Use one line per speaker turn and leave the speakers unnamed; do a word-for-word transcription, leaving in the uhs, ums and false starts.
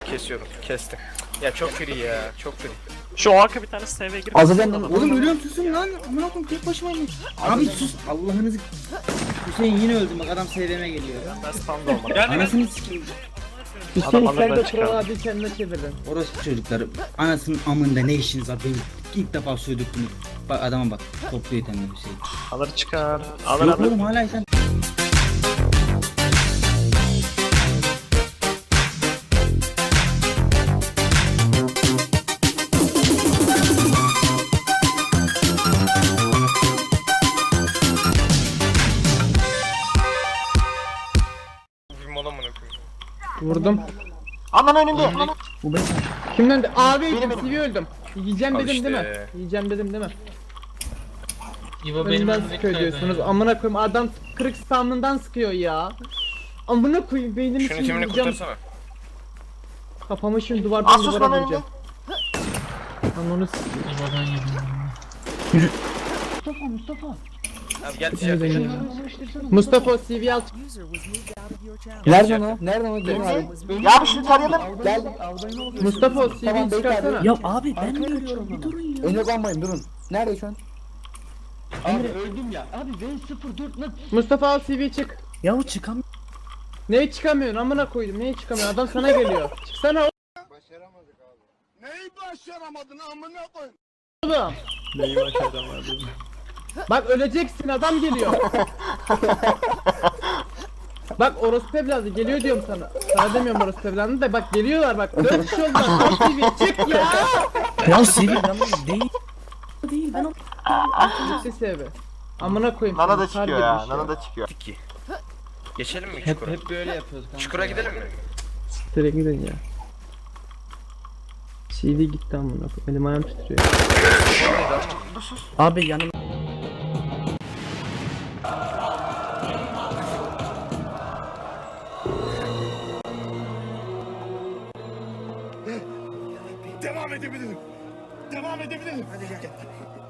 Kesiyorum. Kestim. Ya çok free ya. Çok free.
Şu arka bir tane S V'ye girip
Azadem lan.
Oğlum ölüyorum, susun lan. Amına koyayım, tek başımayım. Abi sus. Allah'ınızı. Hüseyin yine öldüm, bak adam S V'me geliyor.
ben standa olmadım.
Anasını sikeyim.
Hüseyin
Adam
sen de
alırdan
Troll
çıkardı.
abi kendine çevirdin.
Orospu çocukları. Anasının amında ne işiniz var? Benim ilk defa sövdüktüm. Bak adama bak. Topluyor temel Hüseyin.
Alır çıkar. Alır
Yok
alır.
oğlum hala sen.
Bir mola mı koyayım?
Vurdum.
Aman önümde.
Bu ben. Kimden de? Abi
Benim,
C V öldüm. Yiyeceğim
Al
dedim
işte.
değil mi? Yiyeceğim dedim değil mi?
İbo benim
Önümden
önümdeki
sıkıyor
nerede?
diyorsunuz. Amına koyayım adam kırık spamından sıkıyor ya. Amına koyayım beynimi
Şunu
şimdi
timini
vuracağım.
kurtarsana.
Kafamı şimdi duvardan
Asus
duvara
lan
vuracağım. Lan onu sikeyim.
İbo'dan yedim.
Mustafa Mustafa.
Abi gel
Hepimize
ticaret.
gidelim. Mustafa C V al.
Nerede o? Nerede o? Gelin abi.
Ya bir şunu tarayalım.
Gel.
Mustafa o C V'yi
Tamam,
çıkarsana.
bekle
Ya abi ben de ölüyorum bir durun ya.
Önüne kalmayın durun. Nerede şu an?
Abi öldüm ya. Abi V sıfır dört lan.
Mustafa al C V çık.
Ya çıkam.
Neye çıkamıyorsun amına koydum neye çıkamıyorsun adam sana geliyor. Çıksana oğlum.
Neyi başaramadın amına koy?
Oğlum.
Neyi başaramadım.
Bak öleceksin adam geliyor. Bak orospu evladı geliyor diyorum sana. Sana demiyorum orospu evladı da bak geliyorlar bak. Dört kişi oldular. Al C V çık ya.
Ya Sevil lan değil. Değil ben o.
Lütfi sebebi. Amına koyayım.
Nana
seni,
da
kar
çıkıyor ya.
girmiş
Nana da çıkıyor.
İki. Geçelim mi
Hep
çukura?
hep böyle yapıyoruz kanka.
Çukura gidelim mi?
Direkt gidin ya. C V gitti amına koyayım. Elim ayağım titriyor.
Abi yanım.
Devam edebilirim. Devam edebilirim. Hadi gel gel.